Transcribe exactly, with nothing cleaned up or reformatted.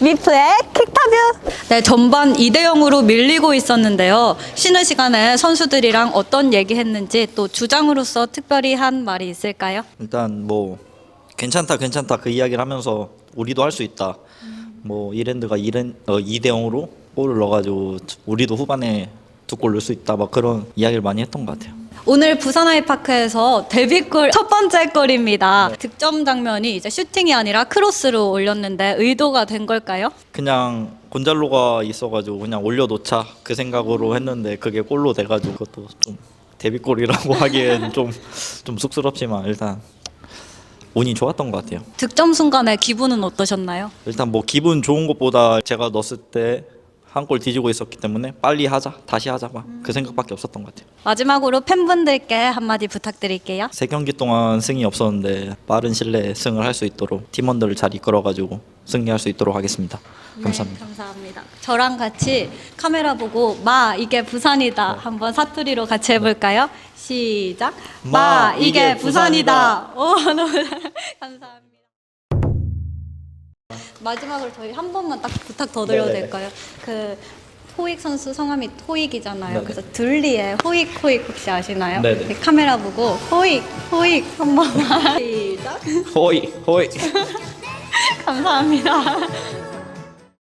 미프의 킥타뷰. 네, 전반 이 대 영으로 밀리고 있었는데요. 쉬는 시간에 선수들이랑 어떤 얘기했는지 또 주장으로서 특별히 한 말이 있을까요? 일단 뭐 괜찮다 괜찮다 그 이야기를 하면서 우리도 할 수 있다. 뭐 이랜드가 이 대 영으로 골을 넣어가지고 우리도 후반에 두 골 넣을 수 있다. 막 그런 이야기를 많이 했던 것 같아요. 오늘 부산 아이파크에서 데뷔골 첫 번째 골입니다. 득점 장면이 이제 슈팅이 아니라 크로스로 올렸는데 의도가 된 걸까요? 그냥 곤잘로가 있어가지고 그냥 올려놓자 그 생각으로 했는데 그게 골로 돼가지고 그것도 좀 데뷔골이라고 하기엔 좀 좀 쑥스럽지만 일단 운이 좋았던 것 같아요. 득점 순간에 기분은 어떠셨나요? 일단 뭐 기분 좋은 것보다 제가 넣었을 때 한 골 뒤지고 있었기 때문에 빨리 하자 다시 하자 막 그 생각밖에 없었던 것 같아요. 마지막으로 팬분들께 한마디 부탁드릴게요. 세 경기 동안 승이 없었는데 빠른 시일 내에 승을 할 수 있도록 팀원들을 잘 이끌어가지고 승리할 수 있도록 하겠습니다. 감사합니다. 네, 감사합니다. 저랑 같이 카메라 보고 마 이게 부산이다 한번 사투리로 같이 해볼까요? 시작. 마, 마, 이게, 이게 부산이다. 오, 너무 감사합니다. 마지막으로 저희 한 번만 딱 부탁 더 드려도 네네네. 될까요? 그 호익 선수 성함이 호익이잖아요. 네네. 그래서 둘리에 호익 호익 혹시 아시나요? 네네. 네, 카메라 보고 호익 호익 한 번만 시작. 호이 호이. 감사합니다.